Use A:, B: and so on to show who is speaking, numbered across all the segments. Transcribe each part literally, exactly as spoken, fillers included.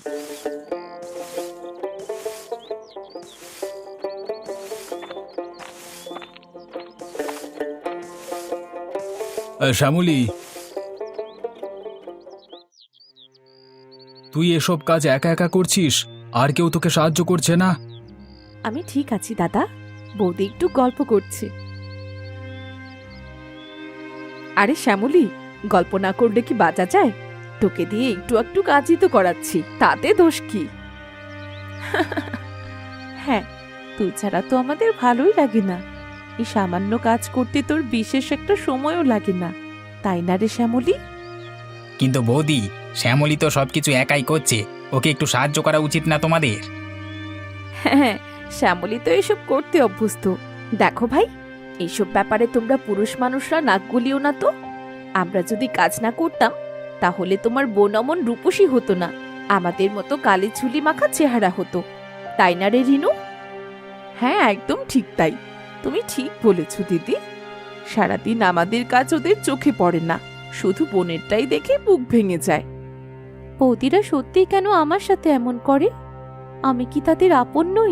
A: শ্যামলী, তুই এসব কাজ একা একা করছিস? আর কেউ তোকে সাহায্য করছে না?
B: আমি ঠিক আছি দাদা, বৌদি একটু গল্প করছে। আরে শ্যামলী, গল্প না করলে কি বাঁচা যায়? তোকে দিয়ে একটু একটু কাজই তো করাচ্ছি, তাতে দোষ কি? হ্যাঁ, তুই ছাড়া তো আমাদের ভালোই লাগে না। এই সামান্য কাজ করতে তোর বিশেষ একটা সময়ও লাগে না, তাই না রে শ্যামলী?
C: কিন্তু বৌদি, শ্যামলী তো সবকিছু একাই করছে, ওকে একটু সাহায্য করা উচিত না তোমাদের?
B: হ্যাঁ, শ্যামলী তো এসব করতে অভ্যস্ত। দেখো ভাই, এইসব ব্যাপারে তোমরা পুরুষ মানুষরা নাক গলিও না তো। আমরা যদি কাজ না করতাম তাহলে তোমার বোন অমন রূপসী হতো না, আমাদের মতো কালি ছুলি মাখা চেহারা হতো, তাই না রে রিনু? হ্যাঁ, একদম ঠিক তাই। তুমি ঠিক বলেছ দিদি। সারাদিন আমাদের কাজ ওদের চোখে পড়ে না, শুধু বোনেরটাই দেখে বুক ভেঙে যায়। বৌদিরা সত্যি কেন আমার সাথে এমন করে? আমি কি তাদের আপন নই?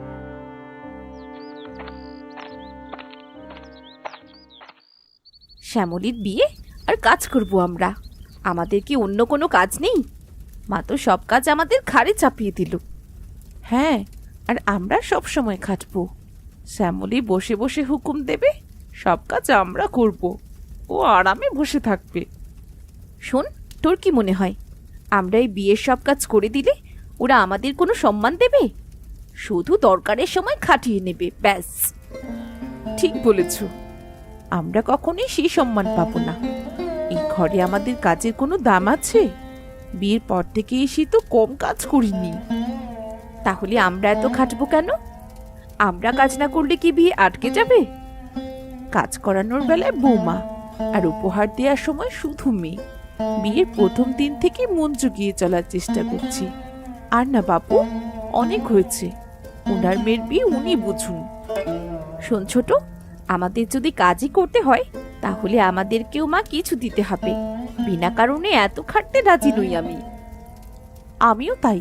B: শ্যামলীর বিয়ে আর কাজ করব আমরা? আমাদের কি অন্য কোনো কাজ নেই? মা তো সব কাজ আমাদের ঘাড়ে চাপিয়ে দিল। হ্যাঁ, আর আমরা সব সময় খাটবো। শ্যামলী বসে বসে হুকুম দেবে, সব কাজ আমরা করব, ও আরামে বসে থাকবে। শোন, তোর কি মনে হয় আমরা এই বিয়ের সব কাজ করে দিলে ওরা আমাদের কোনো সম্মান দেবে? শুধু দরকারের সময় খাটিয়ে নেবে, ব্যাস। ঠিক বলেছ, আমরা কখনোই সেই সম্মান পাবো না। এই ঘরে আমাদের কাজের কোনো দাম আছে? বিয়ের পর থেকে এসে তো কম কাজ করিনি। তাহলে আমরা এত খাটবো কেন? আমরা কাজ না করলে কি বিয়ে আটকে যাবে? কাজ করানোর বেলায় বৌমা, আর উপহার দেওয়ার সময় শুধু মেয়ে। বিয়ের প্রথম দিন থেকে মন জুগিয়ে চলার চেষ্টা করছি। আর না বাপু, অনেক হয়েছে। ওনার মেয়ের বিয়ে উনি বুঝুন। শোন ছোট, আমাদের যদি কাজই করতে হয় তাহলে আমাদেরকেও মা কিছু দিতে হবে। বিনা কারণে এত খাটতে রাজি নই আমি। আমিও তাই।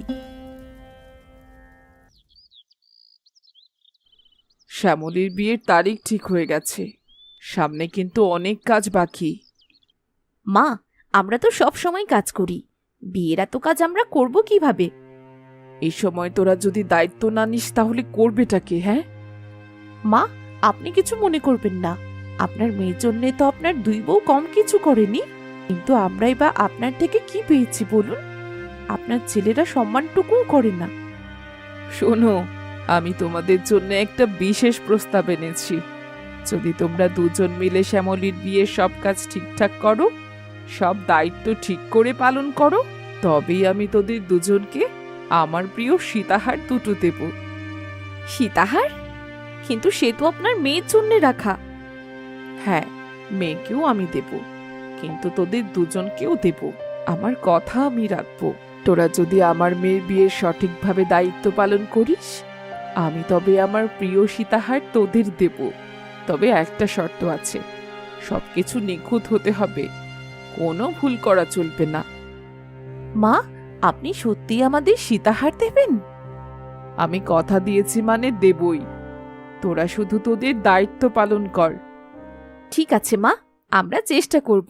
D: শ্যামলীর বিয়ের তারিখ ঠিক হয়ে গেছে, সামনে কিন্তু অনেক কাজ বাকি।
B: মা, আমরা তো সব সময় কাজ করি, বিয়ের এত কাজ আমরা করব কিভাবে?
D: এই সময় তোরা যদি দায়িত্ব না নিস তাহলে করবেটা কে? হ্যাঁ
B: মা, আপনি কিছু মনে করবেন না। আপনার মেয়ের জন্যে তো আপনার দুই বউ কম কিছু করেনি, কিন্তু আমরাই বা আপনার থেকে কি পেয়েছি বলুন? আপনার ছেলেরা সম্মানটুকুও করে না।
D: শোনো, আমি তোমাদের জন্য একটা বিশেষ প্রস্তাব এনেছি। যদি তোমরা দুজন মিলে শ্যামলীর বিয়ের সব কাজ ঠিকঠাক করো, সব দায়িত্ব ঠিক করে পালন করো, তবেই আমি তোদের দুজনকে আমার প্রিয় সীতাহার দুটো দেব।
B: সীতাহার? কিন্তু সে তো আপনার মেয়ের জন্যে রাখা।
D: হ্যাঁ, মেয়েকেও আমি দেব, কিন্তু তোদের দুজনকেও দেব। আমার কথা আমি রাখবো। তোরা যদি আমার মেয়ের বিয়ের সঠিকভাবে দায়িত্ব পালন করিস, আমি তবে আমার প্রিয় সীতাহার তোদের দেব। তবে একটা শর্ত আছে, সবকিছু নিখুঁত হতে হবে, কোনো ভুল করা চলবে না।
B: মা, আপনি সত্যি আমাদের সীতাহার দেবেন?
D: আমি কথা দিয়েছি মানে দেবই। তোরা শুধু তোদের দায়িত্ব পালন কর।
B: ঠিক আছে মা, আমরা চেষ্টা করব।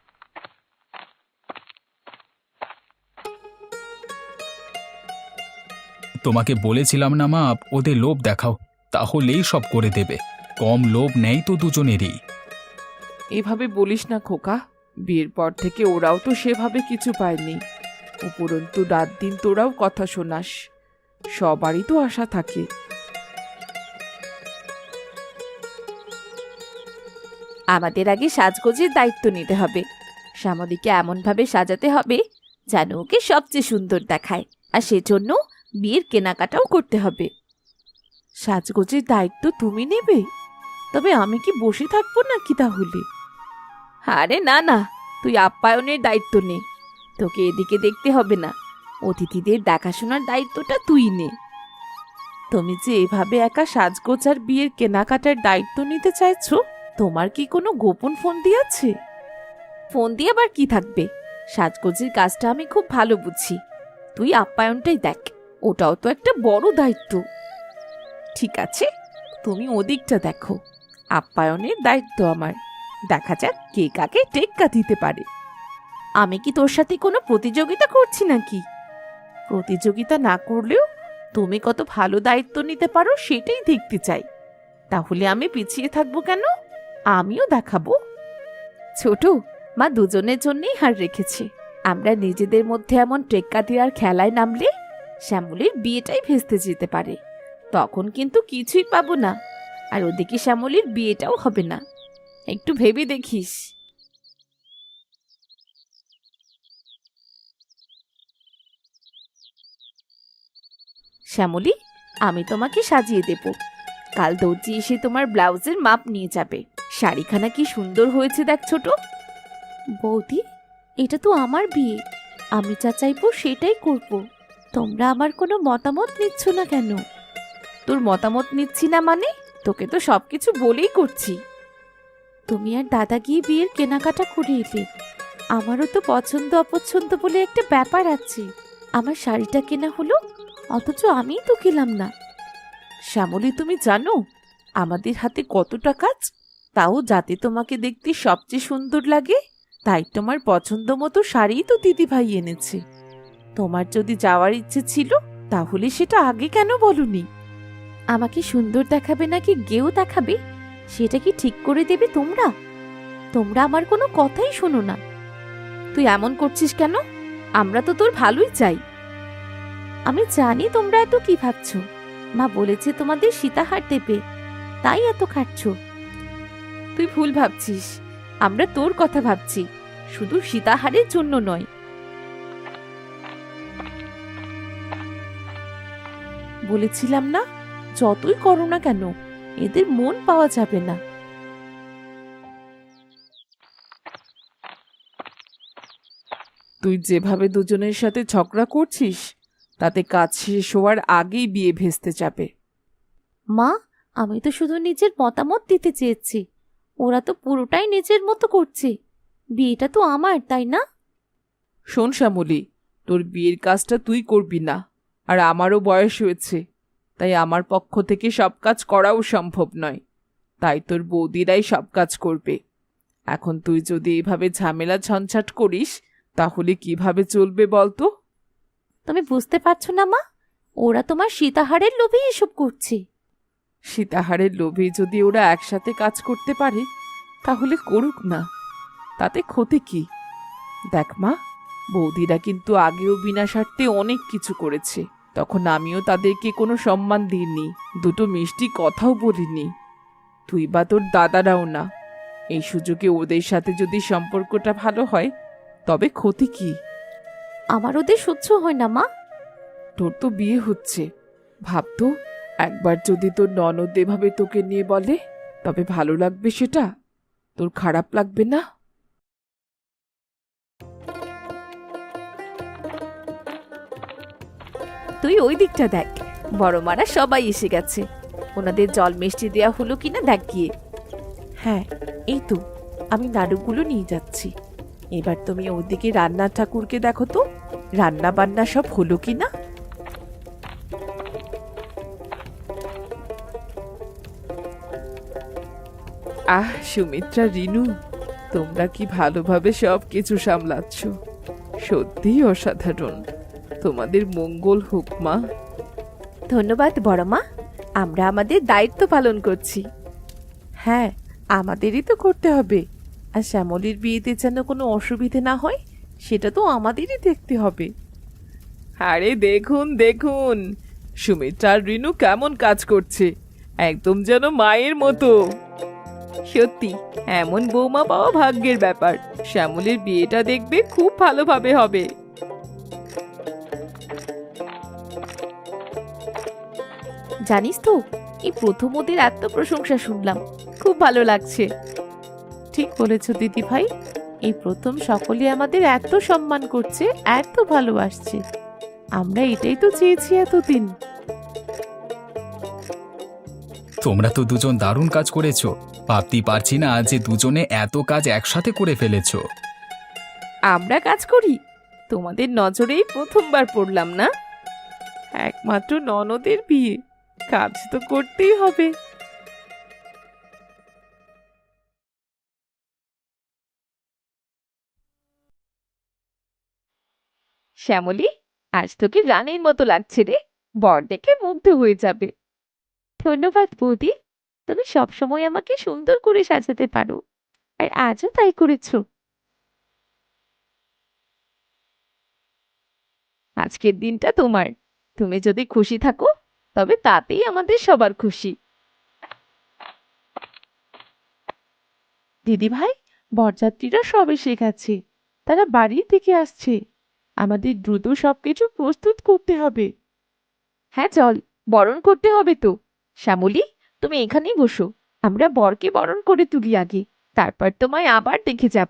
A: তোমাকে বলেছিলাম না মা, ওদের লোভ দেখাও, তাহলেই সব করে দেবে। কম লোভ নেই তো দুজনেরই।
D: এভাবে বলিস না খোকা, বিয়ের পর থেকে ওরাও তো সেভাবে কিছু পায়নি। উপরন্তু রাত দিন তোরাও কথা শোনাস, সবারই তো আশা থাকে।
B: আমাদের আগে সাজগোজের দায়িত্ব নিতে হবে। শ্যামলীকে এমনভাবে সাজাতে হবে যেন ওকে সবচেয়ে সুন্দর দেখায়, আর সেজন্য বিয়ের কেনাকাটাও করতে হবে। সাজগোজের দায়িত্ব তুমি নেবে? তবে আমি কি বসে থাকবো নাকি তাহলে? আরে না না, তুই আপ্যায়নের দায়িত্ব নে। তোকে এদিকে দেখতে হবে না, অতিথিদের দেখাশোনার দায়িত্বটা তুই নে। তুমি যে এভাবে একা সাজগোজ আর বিয়ের কেনাকাটার দায়িত্ব নিতে চাইছো, তোমার কি কোনো গোপন ফোন দিয়েছে? ফোন দিয়ে আবার কি থাকবে? সাজগোজের কাজটা আমি খুব ভালো বুঝি। তুই আপ্যায়নটাই দেখ, ওটাও তো একটা বড় দায়িত্ব।
D: ঠিক আছে, তুমি ওদিকটা দেখো, আপ্যায়নের দায়িত্ব আমার। দেখা যাক কে কাকে টেক্কা দিতে পারে।
B: আমি কি তোর সাথে কোনো প্রতিযোগিতা করছি নাকি?
D: প্রতিযোগিতা না করলেও তুমি কত ভালো দায়িত্ব নিতে পারো সেটাই দেখতে চাই। তাহলে আমি পিছিয়ে থাকবো কেন? আমিও দেখাবো।
B: ছোট, মা দুজনের জন্যই হার রেখেছে। আমরা নিজেদের মধ্যে এমন টেক্কা দেওয়ার খেলায় নামলে শ্যামলীর বিয়েটাই ভেস্তে যেতে পারে। তখন কিন্তু কিছুই পাবো না, আর ওদিকে শ্যামলীর বিয়েটাও হবে না। একটু ভেবে দেখিস। শ্যামলী, আমি তোমাকে সাজিয়ে দেব। কাল দর্জি এসে তোমার ব্লাউজের মাপ নিয়ে যাবে। শাড়িখানা কি সুন্দর হয়েছে দেখ ছোট। বৌদি, এটা তো আমার বিয়ে, আমি যা চাইবো সেটাই করব। তোমরা আমার কোনো মতামত নিচ্ছ না কেন? তোর মতামত নিচ্ছি না মানে? তোকে তো সবকিছু বলেই করছি। তুমি আর দাদা গিয়ে বিয়ের কেনাকাটা করে এলে। আমারও তো পছন্দ অপছন্দ বলে একটা ব্যাপার আছে। আমার শাড়িটা কেনা হলো, অথচ আমিই তো গেলাম না।
D: শ্যামলী, তুমি জানো আমাদের হাতে কতটা কাজ? তাও যাতে তোমাকে দেখতে সবচেয়ে সুন্দর লাগে তাই তোমার পছন্দ মতো শাড়িই তো দিদিভাই এনেছে। তোমার যদি যাওয়ার ইচ্ছে ছিল তাহলে সেটা আগে কেন বলনি?
B: আমাকে সুন্দর দেখাবে নাকি গেও দেখাবে সেটা কি ঠিক করে দেবে তোমরা? তোমরা আমার কোনো কথাই শোনো না। তুই এমন করছিস কেন? আমরা তো তোর ভালোই চাই। আমি জানি তোমরা এত কি ভাবছো। মা বলেছে তোমাদের সীতাহার দেবে, তাই এত খাটছ। তুই ভুল ভাবছিস, আমরা তোর কথা ভাবছি, শুধু সীতাহারের জন্য নয়।
D: বলেছিলাম না, যতই করো না কেন এদের মন পাওয়া যাবে না। তুই যেভাবে দুজনের সাথে ঝগড়া করছিস তাতে কাজ শেষ হওয়ার আগেই বিয়ে ভেস্তে যাবে।
B: মা, আমি তো শুধু নিজের মতামত দিতে চেয়েছি, ওরা তো পুরোটাই নিজের মতো করছে। বিয়েটা তো আমার, তাই না?
D: শোন শ্যামলী, তোর বিয়ের কাজটা তুই করবি না, আর আমারও বয়স হয়েছে, তাই আমার পক্ষ থেকে সব কাজ করাও সম্ভব নয়। তাই তোর বৌদিরাই সব কাজ করবে। এখন তুই যদি এভাবে ঝামেলা ঝঞ্ঝাট করিস তাহলে কিভাবে চলবে বলতো?
B: তুমি বুঝতে পারছো না মা, ওরা তোমার সীতাহারের লোভে এসব করছে।
D: সীতাহারের লোভে যদি ওরা একসাথে কাজ করতে পারে তাহলে করুক না, তাতে ক্ষতি কি? দেখ মা, বৌদিরা কিন্তু আগেও বিনা স্বার্থে অনেক কিছু করেছে, তখন আমিও তাদেরকে কোনো সম্মান দিইনি, দুটো মিষ্টি কথাও বলিনি। তুই বা তোর দাদারাও না। এই সুযোগে ওদের সাথে যদি সম্পর্কটা ভালো হয় তবে ক্ষতি কি?
B: আমার ওদের সহ্য হয় না মা।
D: তোর তো বিয়ে হচ্ছে, ভাবতো একবার যদি তোর ননদ এভাবে তোকে নিয়ে বলে তবে ভালো লাগবে? সেটা তোর খারাপ লাগবে না?
B: তুই ওই দিকটা দেখ, বড় মারা সবাই এসে গেছে। ওনাদের জল মিষ্টি দেওয়া হলো কিনা দেখ গিয়ে।
D: হ্যাঁ, এই তো আমি নাড়ুগুলো নিয়ে যাচ্ছি। এবার তুমি ওদিকে রান্নার ঠাকুরকে দেখো তো, রান্না বান্না সব হলো কিনা। আহ সুমিত্রা, রিনু, তোমরা কি ভালোভাবে সব কিছু সামলাচ্ছ, সত্যিই অসাধারণ। তোমাদের মঙ্গল হোক মা।
B: ধন্যবাদ বড় মা, আমরা আমাদের দায়িত্ব পালন করছি।
D: হ্যাঁ, আমাদেরই তো করতে হবে। আর শ্যামলীর বিয়েতে যেন কোনো অসুবিধে না হয় সেটা তো আমাদেরই দেখতে হবে। আরে দেখুন দেখুন, সুমিত্রা আর রিনু কেমন কাজ করছে, একদম যেন মায়ের মতো। সত্যি এমন বৌমা পাওয়া ভাগ্যের ব্যাপার। শ্যামলীর বিয়েটা দেখবে খুব ভালোভাবে হবে।
B: জানিস তো, এই প্রথম ওদের এত প্রশংসা শুনলাম, খুব ভালো লাগছে।
D: ঠিক বলেছ দিদি ভাই, এই প্রথম সকলে আমাদের এত সম্মান করছে, এত ভালোবাসছে। আমরা এটাই তো চেয়েছি এতদিন।
A: তোমরা তো দুজন দারুণ কাজ করেছো। ভাবতেই পারছি না যে দুজনে এত কাজ একসাথে করে ফেলেছো।
B: আমরা কাজ করি? তোমাদের নজরেই প্রথমবার পড়লাম না।
D: একমাত্র ননদের বিয়ে, কাজ তো করতেই হবে।
B: শ্যামলী, আজ তোকে রানীর মতো লাগছে রে, বর দেখে মুগ্ধ হয়ে যাবে। ধন্যবাদ বৌদি, তুমি সবসময় আমাকে সুন্দর করে সাজাতে পারো, আর আজও তাই করেছো। আজকের দিনটা তোমার, তুমি যদি খুশি থাকো তবে তাতেই আমাদের সবার খুশি।
D: দিদি ভাই, বরযাত্রীরা সব এসে গেছে, তারা বাড়ি থেকে আসছে। আমাদের দ্রুত সবকিছু প্রস্তুত করতে হবে।
B: হ্যাঁ চল, বরণ করতে হবে তো। শ্যামলী, তুমি এখানেই বসো, আমরা বরকে বরণ করে তুলি আগে, তারপর তোমায় আবার দেখে যাব।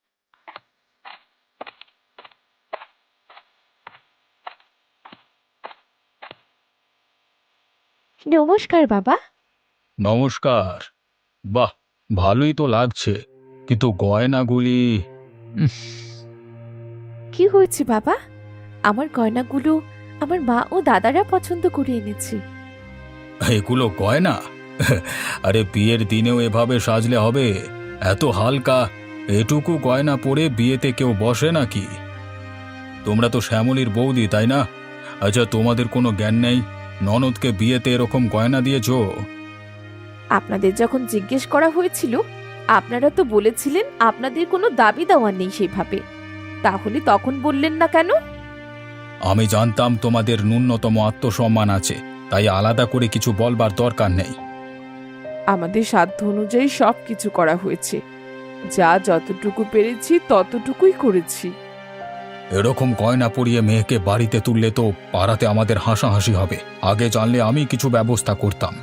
B: নমস্কার বাবা।
A: নমস্কার। বাহ, ভালোই তো লাগছে, কিন্তু গয়নাগুলি। উফ,
B: কি হয়েছে বাবা? আমার গয়নাগুলো আমার মা ও দাদারা পছন্দ করে এনেছে।
A: এগুলো গয়না? আরে বিয়ের দিনেও এভাবে সাজলে হবে? এত হালকা, এটুকু গয়না পরে বিয়েতে কেউ বসে নাকি? তোমরা তো শ্যামলীর বৌদি, তাই না? আচ্ছা, তোমাদের কোনো জ্ঞান নেই? ননদকে বিয়েতে এরকম গয়না দিয়েছো?
B: আপনাদের যখন জিজ্ঞেস করা হয়েছিল, আপনারা তো বলেছিলেন আপনাদের কোনো দাবি দেওয়া নেই সেভাবে, তাহলে তখন বললেন না কেন?
A: আমি জানতাম তোমাদের ন্যূনতম আত্মসম্মান আছে, তাই আলাদা করে কিছু বলবার দরকার নেই।
D: আমাদের সাধ্য অনুযায়ী সব কিছু করা হয়েছে, যা যতটুকু পেরেছি ততটুকুই করেছি।
A: এরকম গয়না পরিয়ে মেয়েকে বাড়িতে তুললে তো পাড়াতে আমাদের হাসাহাসি হবে। আগে জানলে আমি কিছু ব্যবস্থা করতাম।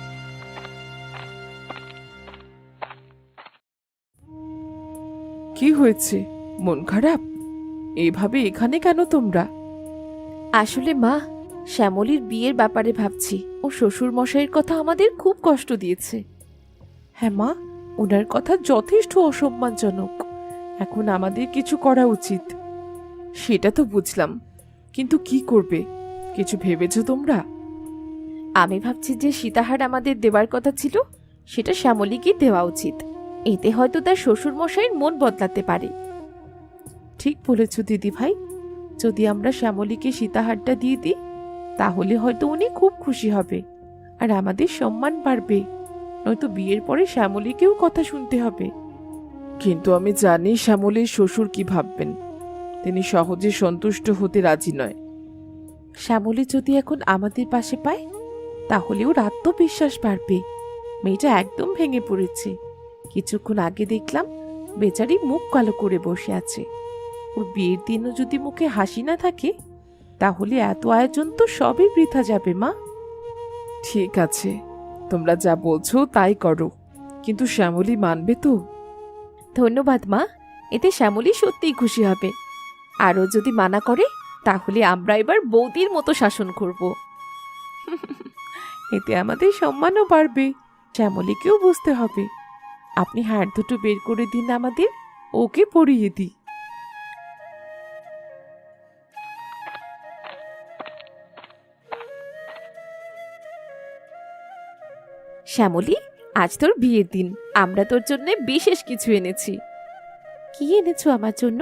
D: কি হয়েছে, মন খারাপ? এইভাবে এখানে কেন তোমরা?
B: আসলে মা, শ্যামলীর বিয়ের ব্যাপারে ভাবছি, ও শ্বশুর মশাইয়ের কথা আমাদের খুব কষ্ট দিয়েছে।
D: হ্যাঁ মা, ওনার কথা যথেষ্ট অসম্মানজনক। এখন আমাদের কিছু করা উচিত। সেটা তো বুঝলাম, কিন্তু কি করবে? কিছু ভেবেছো তোমরা?
B: আমি ভাবছি যে সীতাহার আমাদের দেওয়ার কথা ছিল, সেটা শ্যামলীকে দেওয়া উচিত। এতে হয়তো তার শ্বশুর মশাইয়ের মন বদলাতে পারে।
D: ঠিক বলেছ দিদি ভাই, যদি আমরা শ্যামলীকে সীতাহারটা দিয়ে দিই, তাহলে হয়তো উনি খুব খুশি হবে, আর আমাদের সম্মান বাড়বে। নয়তো বিয়ের পরে শ্যামলীকেও কথা শুনতে হবে। কিন্তু আমি জানি শ্যামলীর শ্বশুর কি ভাববেন। তিনি সহজে সন্তুষ্ট হতে রাজি নয়। শ্যামলী যদি এখন আমাদের পাশে পায়, তাহলে ওর আত্মবিশ্বাস বাড়বে। মেয়েটা একদম ভেঙে পড়েছে। কিছুক্ষণ আগে দেখলাম বেচারি মুখ কালো করে বসে আছে। ওর বিয়ের দিনও যদি মুখে হাসি না থাকে, তাহলে এত আয়োজন তো সবই বৃথা যাবে মা। ঠিক আছে, তোমরা যা বলছো তাই করো, কিন্তু শ্যামলী মানবে তো?
B: ধন্যবাদ মা, এতে শ্যামলী সত্যিই খুশি হবে। আরও যদি মানা করে, তাহলে আমরা এবার বৌদির মতো শাসন করব।
D: এতে আমাদের সম্মানও বাড়বে, শ্যামলীকেও বুঝতে হবে। আপনি হাড় দুটো বের করে দিন আমাদের, ওকে পরিয়ে দিই।
B: শ্যামলী, আজ তোর বিয়ের দিন, আমরা তোর জন্য বিশেষ কিছু এনেছি। কি এনেছো আমার জন্য?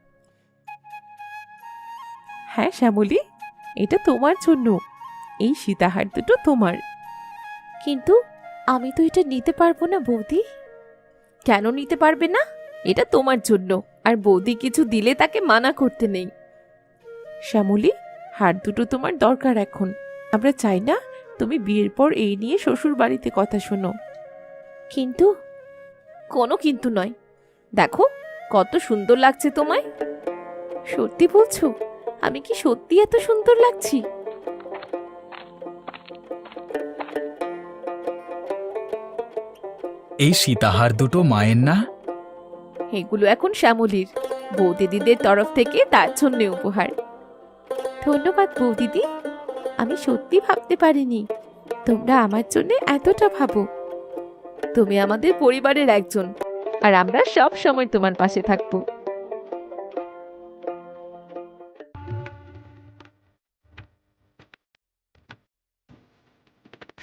D: হ্যাঁ শ্যামলী, এটা তোমার জন্য। এই সীতাহার দুটো তোমার।
B: কিন্তু আমি তো এটা নিতে পারবো না বৌদি। কেন নিতে পারবে না? এটা তোমার জন্য, আর বৌদি কিছু দিলে তাকে মানা করতে নেই।
D: শ্যামলী, হার দুটো তোমার দরকার এখন। আমরা চাই না তুমি বিয়ের পর এই নিয়ে শ্বশুর বাড়িতে কথা শোনো।
B: কিন্তু কোনো কিন্তু নয়। দেখো কত সুন্দর লাগছে তোমায়। সত্যি বলছো? আমি কি সত্যি এত সুন্দর লাগছি?
A: এই সীতাহার দুটো মায়ের না?
B: এগুলো এখন শ্যামলীর, বৌদিদিদের তরফ থেকে তার জন্য উপহার। ধন্যবাদ বৌদিদি, আমি সত্যি ভাবতে পারিনি তোমরা আমার জন্য এতটা ভাবো। তুমি আমাদের পরিবারের একজন, আর আমরা সব সময় তোমার পাশে থাকবো।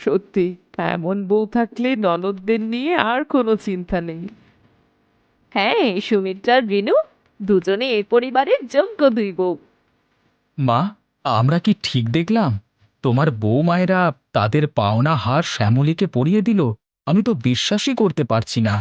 D: সত্যি এমন বউ থাকলে ননদদের নিয়ে আর কোনো চিন্তা নেই।
B: হ্যাঁ, সুমিত্রা আর রিনু দুজনে এই পরিবারের যোগ্য দুই বউ।
A: মা, আমরা কি ঠিক দেখলাম? তোমার বউ মায়েরা তাদের পাওনা হার শ্যামলীকে পরিয়ে দিল। আমি তো বিশ্বাসই করতে পারছি না।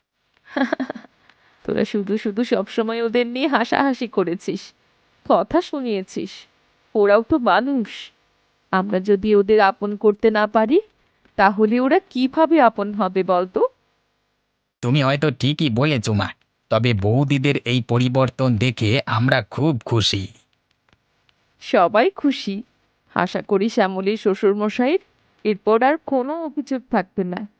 B: তোরা শুধু শুধু সবসময় ওদের নিয়ে হাসাহাসি করেছিস, কথা শুনিয়েছিস। ওরাও তো মানুষ। আমরা যদি ওদের আপন করতে না পারি, তাহলে ওরা কিভাবে আপন হবে বলতো?
C: তুমি হয়তো ঠিকই বলেছ মা, তবে বৌদিদের এই পরিবর্তন দেখে আমরা খুব খুশি।
B: সবাই খুশি। আশা করি শ্যামলীর শ্বশুরমশাইয়ের এরপর আর কোনো অভিযোগ থাকবে না।